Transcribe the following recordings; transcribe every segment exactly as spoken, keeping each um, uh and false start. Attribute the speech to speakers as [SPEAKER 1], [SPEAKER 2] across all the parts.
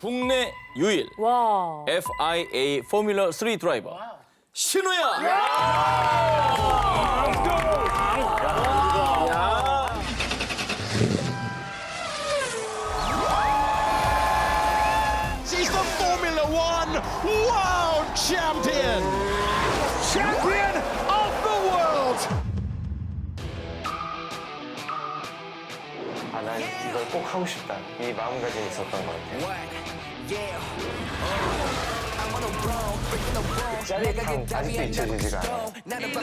[SPEAKER 1] 국내 유일
[SPEAKER 2] 와.
[SPEAKER 1] 에프아이에이 포뮬러 쓰리 드라이버 신우야.
[SPEAKER 3] She's the Formula One World Champion! Champion of the world!
[SPEAKER 4] 아, 난 이걸 꼭 하고 싶다. 이 마음가짐이 있었던 것 같아요. 그 짜릿함 아직도 잊혀지지가 않아요.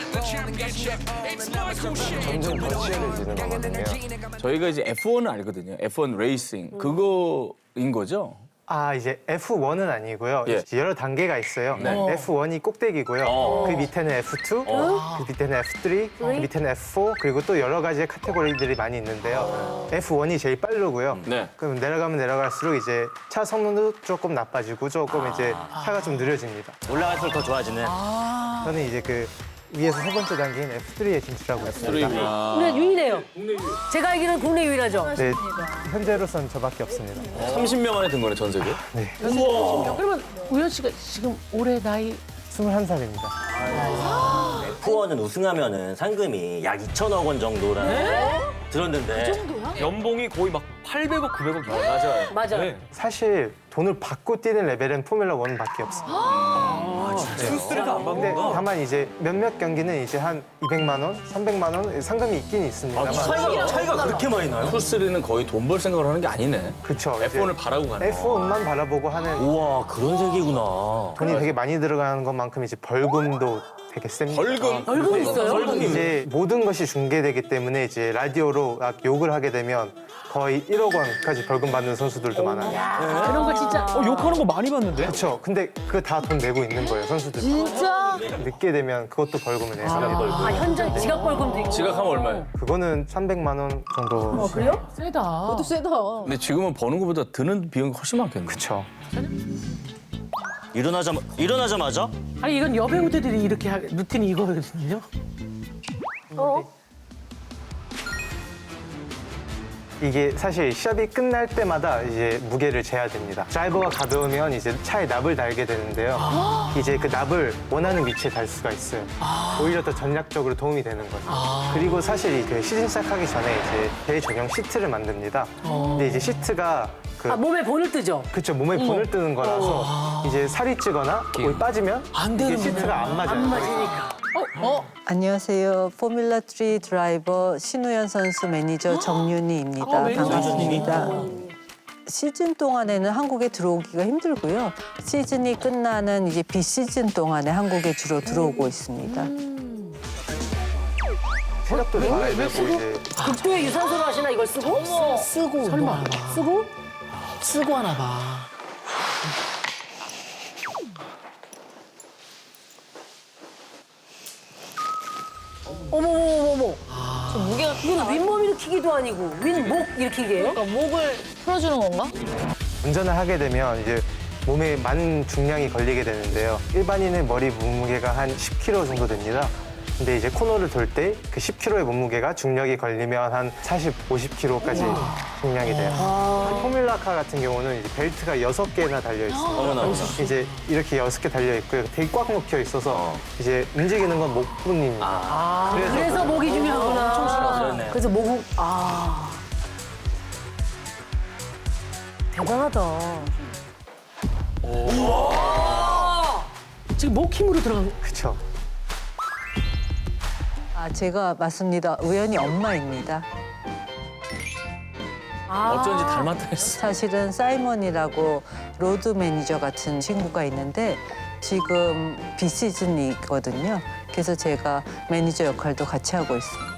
[SPEAKER 4] 점점 더 치열해지는 거거든요.
[SPEAKER 1] 저희가 이제 에프원을 알거든요. 에프원 레이싱 그거인 거죠?
[SPEAKER 4] 아, 이제 에프원은 아니고요.
[SPEAKER 1] 예.
[SPEAKER 4] 이제 여러 단계가 있어요.
[SPEAKER 1] 네.
[SPEAKER 4] 에프원이 꼭대기고요.
[SPEAKER 1] 어.
[SPEAKER 4] 그 밑에는 에프투, 그 밑에는 에프쓰리, 그 밑에는 에프포, 그리고 또 여러 가지의 카테고리들이 많이 있는데요. 에프원이 제일 빠르고요.
[SPEAKER 1] 네.
[SPEAKER 4] 그럼 내려가면 내려갈수록 이제 차 성능도 조금 나빠지고 조금 이제 차가 좀 느려집니다.
[SPEAKER 5] 올라갈수록 더 좋아지는.
[SPEAKER 4] 저는 이제 그 위에서 세 번째 단계인 에프쓰리에 진출하고 있습니다.
[SPEAKER 2] 국내 유일해요. 제가 알기로는 국내 유일하죠.
[SPEAKER 4] 네, 현재로선 저밖에 없습니다.
[SPEAKER 1] 삼십 명 안에 든 거네, 전 세계?
[SPEAKER 2] 그러면 우현 씨가 지금 올해 나이
[SPEAKER 4] 스물한 살입니다.
[SPEAKER 5] 에프원은 우승하면은 상금이 약 이천억 원 정도라는 들었는데.
[SPEAKER 6] 연봉이 거의 막 팔백억, 구백억 이
[SPEAKER 1] 맞아요.
[SPEAKER 2] 맞아.
[SPEAKER 4] 사실 돈을 받고 뛰는 레벨은 포뮬러 원밖에 없습니다.
[SPEAKER 6] 수수료도 안 받는
[SPEAKER 4] 근데
[SPEAKER 6] 거야?
[SPEAKER 4] 다만 이제 몇몇 경기는 이제 한 이백만 원, 삼백만 원 상금이 있긴 있습니다만.
[SPEAKER 5] 차이가, 차이가 그렇게 많이 나요?
[SPEAKER 1] 투쓰리는 거의 돈 벌 생각을 하는 게 아니네.
[SPEAKER 4] 그쵸.
[SPEAKER 1] 에프원을 바라고 가네.
[SPEAKER 4] 에프원만 바라보고 하는
[SPEAKER 5] 우와, 그런 세계구나.
[SPEAKER 4] 돈이 되게 많이 들어가는 것만큼 이제 벌금도 되게 셉니다.
[SPEAKER 1] 벌금?
[SPEAKER 2] 벌금 있어요?
[SPEAKER 5] 벌금이
[SPEAKER 4] 이제 모든 것이 중계되기 때문에 이제 라디오로 막 욕을 하게 되면 거의 일억 원까지 벌금 받는 선수들도 많아요.
[SPEAKER 2] 그런 거 진짜.
[SPEAKER 6] 어, 욕하는 거 많이 봤는데?
[SPEAKER 4] 그렇죠. 근데 그거 다 돈 내고 있는 거예요, 선수들.
[SPEAKER 2] 진짜?
[SPEAKER 4] 늦게 되면 그것도 벌금을 내습니다.
[SPEAKER 2] 아, 현장 지각 벌금도 있고.
[SPEAKER 1] 지각하면 얼마예요?
[SPEAKER 4] 그거는 삼백만 원 정도.
[SPEAKER 2] 그래요? 세다. 그것도 세다.
[SPEAKER 1] 근데 지금은 버는 것보다 드는 비용이 훨씬 많겠네.
[SPEAKER 4] 그렇죠.
[SPEAKER 5] 일어나자마, 일어나자마자?
[SPEAKER 7] 아니 이건 여배우들이 이렇게 하, 루틴이 이거거든요.
[SPEAKER 2] 어?
[SPEAKER 4] 이게 사실 시합이 끝날 때마다 이제 무게를 재야 됩니다. 드라이버가 가벼우면 이제 차에 납을 달게 되는데요. 이제 그 납을 원하는 위치에 달 수가 있어요. 오히려 더 전략적으로 도움이 되는 거죠. 그리고 사실 그 시즌 시작하기 전에 이제 대회 전용 시트를 만듭니다. 근데 이제 시트가 그
[SPEAKER 2] 아, 몸에 본을 뜨죠?
[SPEAKER 4] 그쵸, 몸에 본을 뜨는 거라서 이제 살이 찌거나 몸이 빠지면
[SPEAKER 7] 안
[SPEAKER 4] 이게
[SPEAKER 7] 되는구나.
[SPEAKER 4] 시트가 안 맞아요.
[SPEAKER 2] 안 맞으니까.
[SPEAKER 8] 안녕하세요. 포뮬러 쓰리 드라이버 신우현 선수 매니저 정윤희입니다.
[SPEAKER 7] 아, 매니저
[SPEAKER 8] 반갑습니다. 시즌 동안에는 한국에 들어오기가 힘들고요. 시즌이 끝나는 이제 비시즌 동안에 한국에 주로 들어오고 있습니다.
[SPEAKER 4] 체력도 좋아야 되고 이제
[SPEAKER 2] 극도의 유산소로 하시나 이걸 쓰고?
[SPEAKER 7] 쓰고 설마
[SPEAKER 2] 쓰고?
[SPEAKER 7] 쓰고 하나 봐.
[SPEAKER 2] 어머, 어머, 어머, 어머. 무게가 이건 윗몸 일으키기도 아니고 윗목 일으키기예요?
[SPEAKER 9] 목을 풀어주는 건가?
[SPEAKER 4] 운전을 하게 되면 이제 몸에 많은 중량이 걸리게 되는데요. 일반인의 머리 몸무게가 한 십 킬로그램 정도 됩니다. 근데 이제 코너를 돌 때 그 십 킬로그램의 몸무게가 중력이 걸리면 한 사십, 오십 킬로그램까지 중량이 돼요. 포뮬라카 같은 경우는 이제 벨트가 여섯 개나 달려 있습니다. 이제 이렇게 여섯 개 달려 있고요. 되게 꽉 묶여 있어서 이제 움직이는 건 목뿐입니다. 그래서
[SPEAKER 2] 그래서 목이 중요하구나.
[SPEAKER 5] 그러네.
[SPEAKER 2] 그래서 목은 아 대단하다.
[SPEAKER 7] 지금 목 힘으로 들어간.
[SPEAKER 4] 그쵸.
[SPEAKER 8] 아, 제가 맞습니다. 우연히 엄마입니다.
[SPEAKER 2] 아.
[SPEAKER 1] 어쩐지 닮았다 했어.
[SPEAKER 8] 사실은 사이먼이라고 로드 매니저 같은 친구가 있는데 지금 비시즌이거든요. 그래서 제가 매니저 역할도 같이 하고 있습니다.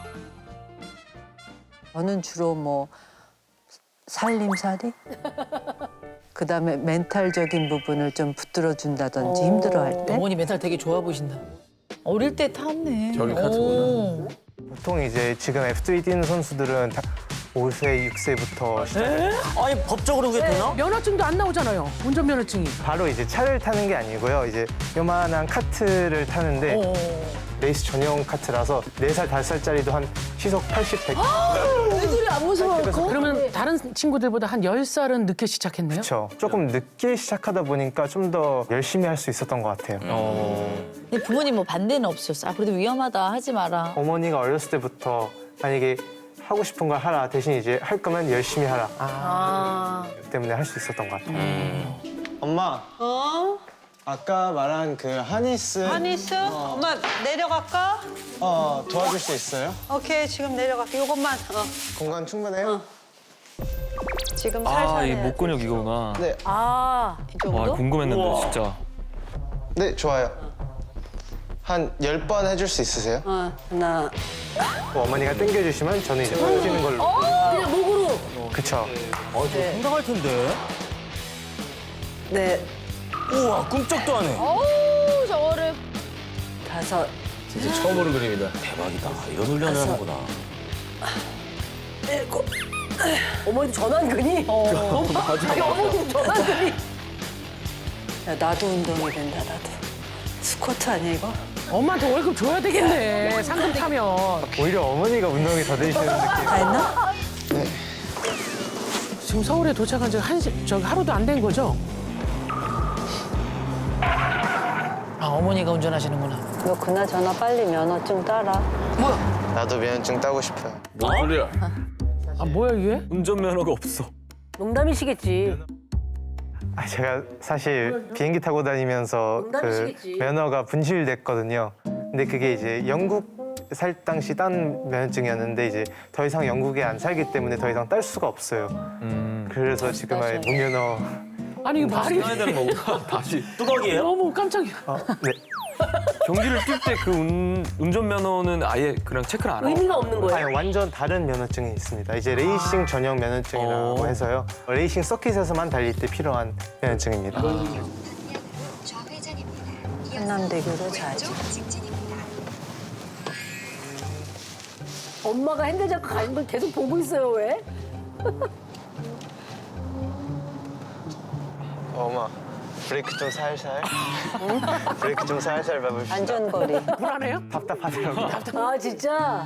[SPEAKER 8] 저는 주로 뭐 살림살이? 그다음에 멘탈적인 부분을 좀 붙들어 준다든지 힘들어할 때
[SPEAKER 9] 어머니 멘탈 되게 좋아 보신다. 어릴 때 탔네.
[SPEAKER 1] 저기 카트구나.
[SPEAKER 4] 보통 이제 지금 에프쓰리 뛰는 선수들은 다 오 세, 육 세부터 시작해요.
[SPEAKER 5] 아니, 법적으로 그게 되나?
[SPEAKER 7] 면허증도 안 나오잖아요. 운전면허증이.
[SPEAKER 4] 바로 이제 차를 타는 게 아니고요. 이제 요만한 카트를 타는데 레이스 전용 카트라서 네 살, 다섯 살짜리도 한 시속 팔십, 백.
[SPEAKER 2] 애들이 안 무서워.
[SPEAKER 7] 그러면 다른 친구들보다 한 열 살은 늦게 시작했네요?
[SPEAKER 4] 그렇죠. 조금 늦게 시작하다 보니까 좀 더 열심히 할 수 있었던 것 같아요.
[SPEAKER 9] 근데 부모님 뭐 반대는 없으셨어? 아, 그래도 위험하다. 하지 마라.
[SPEAKER 4] 어머니가 어렸을 때부터 만약에 하고 싶은 걸 하라 대신 이제 할 거면 열심히 하라
[SPEAKER 2] 아.
[SPEAKER 4] 때문에 할 수 있었던 것 같아요.
[SPEAKER 10] 엄마. 어? 아까 말한 그 하니스.
[SPEAKER 11] 하니스? 엄마 내려갈까?
[SPEAKER 10] 어, 도와줄 수 있어요?
[SPEAKER 11] 오케이 지금 내려갈게. 요것만. 어.
[SPEAKER 10] 공간 충분해요?
[SPEAKER 11] 지금 살살
[SPEAKER 6] 아, 이
[SPEAKER 11] 해야지.
[SPEAKER 6] 목근육 이거구나.
[SPEAKER 10] 네.
[SPEAKER 2] 아.
[SPEAKER 11] 이 정도?
[SPEAKER 6] 와, 궁금했는데 진짜.
[SPEAKER 10] 네, 좋아요. 한 열 번 해줄 수 있으세요?
[SPEAKER 11] 어, 하나.
[SPEAKER 4] 뭐 어머니가 당겨주시면 저는 이제 당기는 걸로.
[SPEAKER 2] 그냥 목으로.
[SPEAKER 4] 그쵸.
[SPEAKER 5] 어, 저 상당할 텐데.
[SPEAKER 11] 네.
[SPEAKER 5] 우와, 꿈쩍도 안 해.
[SPEAKER 9] 어우, 저거를.
[SPEAKER 11] 다섯.
[SPEAKER 1] 진짜 처음으로 그림이다.
[SPEAKER 5] 대박이다. 이런 훈련을 하는구나.
[SPEAKER 11] 일곱.
[SPEAKER 2] 어머니 전완근이. 어. 맞아. 어머니 전완근이.
[SPEAKER 11] 야, 나도 운동이 된다, 나도. 스쿼트 아니야, 이거?
[SPEAKER 7] 엄마한테 월급 줘야 되겠네. 상금 타면.
[SPEAKER 4] 오히려 어머니가 운동이 더 되시는 느낌.
[SPEAKER 11] 다 했나?
[SPEAKER 7] 지금 서울에 도착한 지 한, 시- 저기 하루도 안 된 거죠? 아, 어머니가 운전하시는구나.
[SPEAKER 11] 너 그나저나 빨리 면허증 따라.
[SPEAKER 10] 나도 면허증 따고 싶어요.
[SPEAKER 1] 뭔 소리야?
[SPEAKER 7] 아, 뭐야, 이게?
[SPEAKER 6] 운전면허가 없어.
[SPEAKER 2] 농담이시겠지.
[SPEAKER 4] 아, 제가 사실 비행기 타고 다니면서 그
[SPEAKER 2] 농담이시겠지.
[SPEAKER 4] 면허가 분실됐거든요. 근데 그게 이제 영국 살 당시 딴 면허증이었는데 이제 더 이상 영국에 안 살기 때문에 더 이상 딸 수가 없어요. 그래서 지금 아예 무면허.
[SPEAKER 7] 아니, 이거 말이
[SPEAKER 6] 해야 되는 거구나. 다시.
[SPEAKER 5] 뚜벅이에요?
[SPEAKER 7] 너무 깜짝이야.
[SPEAKER 4] 어, 네.
[SPEAKER 6] 경기를 뛸 때 그 운전면허는 아예 그냥 체크를 안 하고.
[SPEAKER 2] 의미가 없는 거예요.
[SPEAKER 4] 아니, 완전 다른 면허증이 있습니다. 이제 레이싱 전용 면허증이라고
[SPEAKER 6] 어.
[SPEAKER 4] 해서요. 레이싱 서킷에서만 달릴 때 필요한 면허증입니다.
[SPEAKER 11] 한남대교로 자지.
[SPEAKER 2] 엄마가 핸들 잡고 가는 걸 계속 보고 있어요, 왜?
[SPEAKER 10] 어, 엄마, 브레이크 좀 살살. 브레이크 좀 살살 밟읍시다.
[SPEAKER 11] 안전거리.
[SPEAKER 7] 불안해요?
[SPEAKER 4] 답답하더라고요.
[SPEAKER 2] 아, 진짜?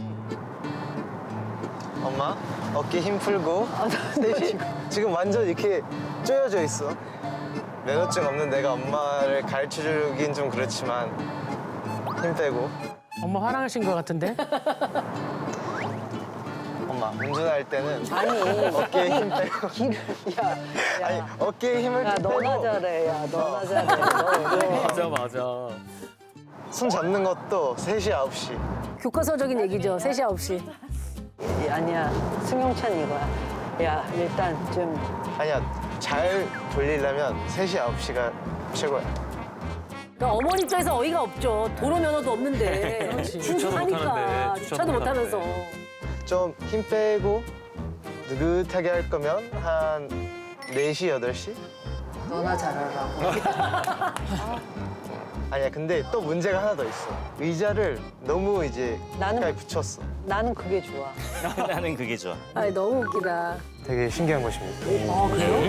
[SPEAKER 10] 엄마, 어깨 힘 풀고. 네, 지금, 지금 완전 이렇게 쪼여져 있어. 면허증 없는 내가 엄마를 가르쳐주긴 좀 그렇지만 힘 빼고.
[SPEAKER 7] 엄마 화나신 것 같은데?
[SPEAKER 10] 엄마, 운전할 때는
[SPEAKER 11] 아니.
[SPEAKER 10] 어깨에 힘 빼고.
[SPEAKER 11] 길을, 야,
[SPEAKER 10] 아니,
[SPEAKER 11] 야.
[SPEAKER 10] 어깨에 힘을
[SPEAKER 11] 야,
[SPEAKER 10] 좀
[SPEAKER 11] 너나
[SPEAKER 10] 빼고.
[SPEAKER 11] 잘해. 야, 너나 잘해. 너, 너.
[SPEAKER 6] 맞아, 맞아.
[SPEAKER 10] 손 잡는 것도 세 시, 아홉 시.
[SPEAKER 2] 교과서적인 얘기죠. 세 시, 아홉 시.
[SPEAKER 11] 이- 아니야. 승용차는 이거야. 야, 일단 좀.
[SPEAKER 10] 아니야, 잘 돌리려면 세 시, 아홉 시가 최고야.
[SPEAKER 2] 그러니까 어머니 입장에서 어이가 없죠. 도로 면허도 없는데.
[SPEAKER 6] 주차도
[SPEAKER 2] 하니까
[SPEAKER 6] 못하는데, 주차도
[SPEAKER 2] 주차도 못하면서.
[SPEAKER 10] 좀 힘 빼고 느긋하게 할 거면 한 네 시, 여덟 시?
[SPEAKER 11] 너나 잘하라고.
[SPEAKER 10] 아니야, 근데 또 문제가 하나 더 있어. 의자를 너무 이제
[SPEAKER 11] 나는-
[SPEAKER 10] 가까이 붙였어.
[SPEAKER 11] 나는 그게 좋아.
[SPEAKER 5] 나는 그게 좋아.
[SPEAKER 2] 아, 너무 웃기다.
[SPEAKER 4] 되게 신기한 곳입니다.
[SPEAKER 2] 아, 그래요?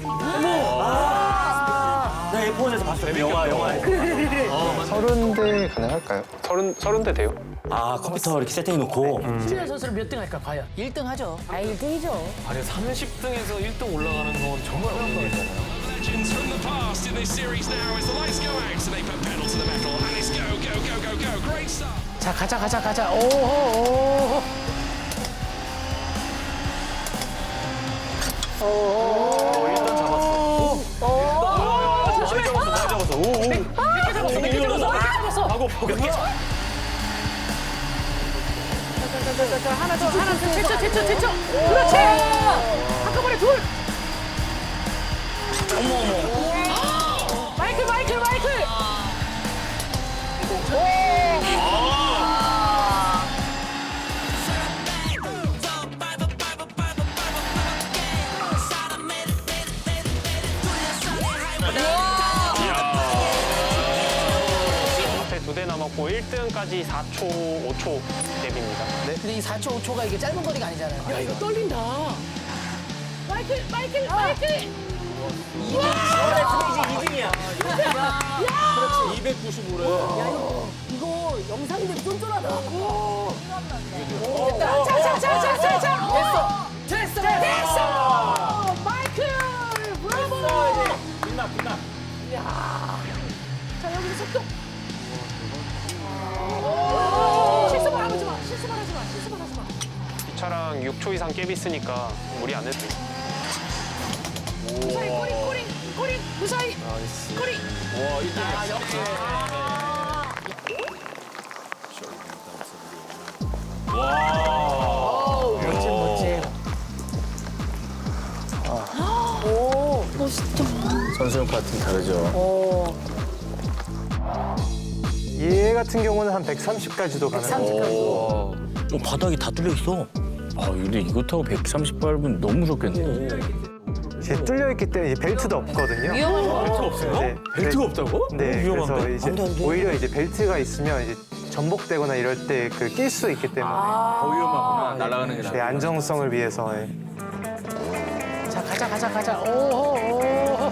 [SPEAKER 5] 나 에프원에서 봤어요. 영화, 영화에.
[SPEAKER 10] 서른 대 가능할까요?
[SPEAKER 4] 서른, 서른 대 돼요?
[SPEAKER 5] 아, 컴퓨터 이렇게 세팅해놓고.
[SPEAKER 7] 신현 선수는 몇 등 할까, 과연?
[SPEAKER 9] 일 등 하죠.
[SPEAKER 2] 아, 일 등이죠.
[SPEAKER 6] 아니, 삼십 등에서 일 등 올라가는 건 정말 어려운 일이잖아요.
[SPEAKER 3] Legends from the past in this series now as the lights go out, so they put pedal to the metal and it's go, go, go, go, go. Great start.
[SPEAKER 7] 자, 가자, 가자, 가자. 오호, 오호.
[SPEAKER 6] 일단 잡았어.
[SPEAKER 5] 많이 잡았어, 많이 잡았어. 오, 오.
[SPEAKER 7] 몇 개 잡았어? 몇 개 잡았어?
[SPEAKER 6] 하고
[SPEAKER 5] 몇 개?
[SPEAKER 7] 하나 더, 하나 더. 제쳐, 제쳐, 제쳐. 그렇지! 한꺼번에 둘!
[SPEAKER 5] 어머, 어머.
[SPEAKER 7] 마이클, 마이클, 마이클!
[SPEAKER 6] 두 대 남았고 일 등까지 사 초, 오 초 갭입니다.
[SPEAKER 7] 근데 이 사 초, 오 초가 이게 짧은 거리가 아니잖아요. 야, 이거 떨린다. 마이클, 마이클, 마이클!
[SPEAKER 5] 스테이지 이 등이야.
[SPEAKER 1] 이백구십오래.
[SPEAKER 2] 이거 영상인데 쫀쫀하다.
[SPEAKER 7] 자자자자자자 됐어 됐어 됐어 마이클 브라보
[SPEAKER 1] 빛나 빛나.
[SPEAKER 7] 자 여기서 속도 오, 실수만 하지 마 실수만 하지 마 실수만 하지 마
[SPEAKER 6] 이 차랑 육 초 이상 갭 있으니까 무리 안 해도 돼.
[SPEAKER 7] 무사히 꼬리 꼬리 꼬리 무사히 꼬리
[SPEAKER 1] 와 일 등이야.
[SPEAKER 7] 아 역시
[SPEAKER 1] 와.
[SPEAKER 7] 멋진 멋진
[SPEAKER 9] 오, 멋있다.
[SPEAKER 1] 선수용 파트는 다르죠.
[SPEAKER 2] 오.
[SPEAKER 4] 얘 같은 경우는 한 백삼십까지도 가능해요.
[SPEAKER 1] 오.
[SPEAKER 5] 어, 바닥이 다 뚫려 있어.
[SPEAKER 1] 아 근데 이거 타고 백삼십 밟으면 너무 무섭겠네.
[SPEAKER 4] 이제 뚫려 있기 때문에 이제 벨트도 없거든요.
[SPEAKER 9] 위험한 거.
[SPEAKER 1] 벨트 없어요?
[SPEAKER 4] 네,
[SPEAKER 1] 벨트가 없다고?
[SPEAKER 4] 네,
[SPEAKER 5] 위험한데?
[SPEAKER 4] 그래서 이제
[SPEAKER 5] 안 돼, 안 돼.
[SPEAKER 4] 오히려 이제 벨트가 있으면 이제 전복되거나 이럴 때 그 낄 수 있기 때문에
[SPEAKER 1] 더 위험하구나. 날아가는 게
[SPEAKER 4] 제
[SPEAKER 1] 나아.
[SPEAKER 4] 안정성을 위해서. 예.
[SPEAKER 7] 자 가자 가자 가자 오호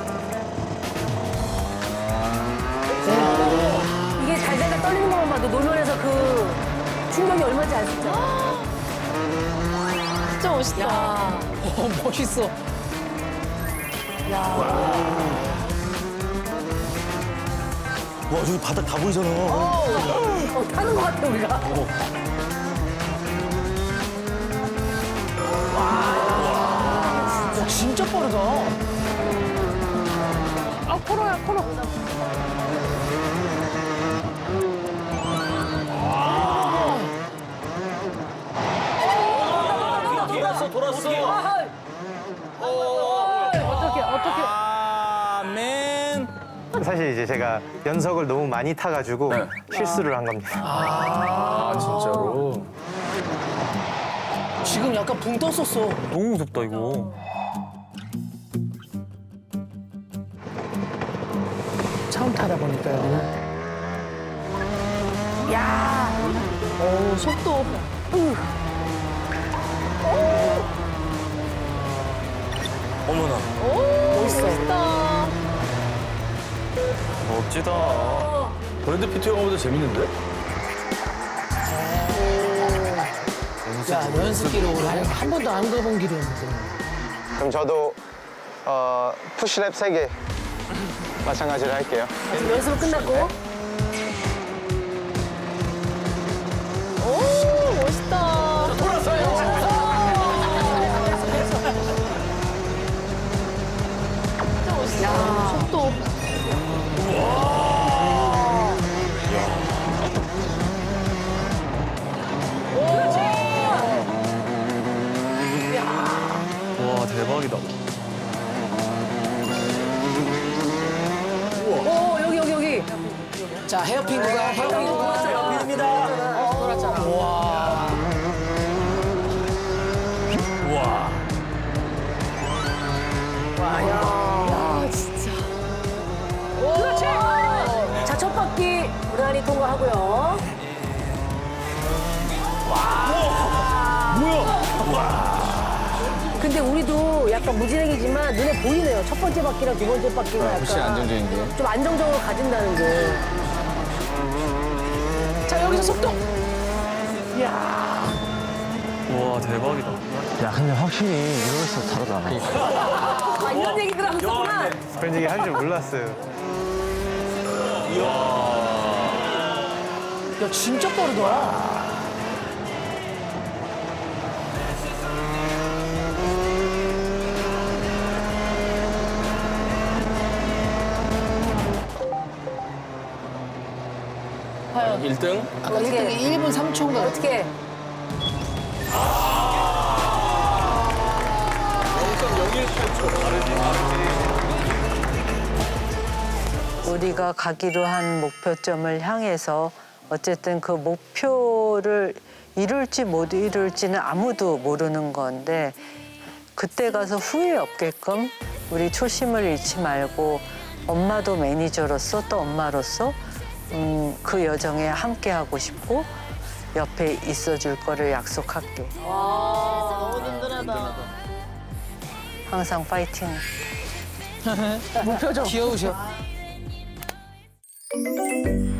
[SPEAKER 2] 이게 달달달 떨리는 것만 봐도 노면에서 그 충격이 얼마인지 알 수 있잖아.
[SPEAKER 9] 진짜 멋있다.
[SPEAKER 7] 오 멋있어
[SPEAKER 5] 와, 저기 바닥 다 보이잖아.
[SPEAKER 2] 어, 타는 것 같아, 우리가.
[SPEAKER 7] 야, 진짜 빠르다 아 코너야 코너
[SPEAKER 1] 돌았어 돌았어.
[SPEAKER 2] 어떻게, 어떻게.
[SPEAKER 1] 아 맨.
[SPEAKER 4] 사실 이제 제가 연석을 너무 많이 타가지고
[SPEAKER 1] 네.
[SPEAKER 4] 실수를 한 겁니다.
[SPEAKER 1] 아 진짜로.
[SPEAKER 7] 지금 약간 붕 떴었어
[SPEAKER 5] 너무 무섭다, 이거.
[SPEAKER 7] 처음 타다 보니까 여기는
[SPEAKER 9] 오, 속도.
[SPEAKER 5] 어머나.
[SPEAKER 9] 멋있다.
[SPEAKER 5] 멋지다.
[SPEAKER 1] 브래드 피트 영화보다 재밌는데?
[SPEAKER 7] 야 연습 기록을 한 번도 안 가본 길이었는데
[SPEAKER 10] 그럼 저도 어, 푸시랩 세 개 마찬가지로 할게요.
[SPEAKER 2] 지금 연습은 끝났고.
[SPEAKER 9] 오, 멋있다. 진짜 멋있다. 속도.
[SPEAKER 5] 와, 대박이다.
[SPEAKER 2] 오, 여기, 여기, 여기.
[SPEAKER 7] 자 헤어핀 구간 헤어핀 구간
[SPEAKER 5] 헤어핀입니다.
[SPEAKER 7] 돌았잖아 와
[SPEAKER 1] 우와.
[SPEAKER 2] 그렇지. 자, 첫 바퀴 무난히 통과하고요. 근데 우리도 약간 무진행이지만 눈에 보이네요. 첫 번째 바퀴랑 두 번째 바퀴가 약간
[SPEAKER 1] 훨씬 안정적인 게.
[SPEAKER 2] 좀 안정적으로 가진다는 게.
[SPEAKER 7] 자 여기서 속도
[SPEAKER 5] 와, 대박이다.
[SPEAKER 10] 야, 근데 확실히 이럴수록 다르다.
[SPEAKER 2] 아, 이런 얘기들 하고 있었구나.
[SPEAKER 4] 그런 얘기 할 줄 몰랐어요.
[SPEAKER 7] 야 진짜 빠르다
[SPEAKER 1] 일 등.
[SPEAKER 7] 아까 일 등이 일 분 삼 초인가
[SPEAKER 2] 어떻게?
[SPEAKER 8] 우리가 가기로 한 목표점을 향해서 어쨌든 그 목표를 이룰지 못 이룰지는 아무도 모르는 건데 그때 가서 후회 없게끔 우리 초심을 잃지 말고 엄마도 매니저로서 또 엄마로서 음, 그 여정에 함께하고 싶고 옆에 있어줄 거를 약속할게.
[SPEAKER 9] 와, 너무 든든하다.
[SPEAKER 8] 항상 파이팅.
[SPEAKER 7] 목표죠 귀여우셔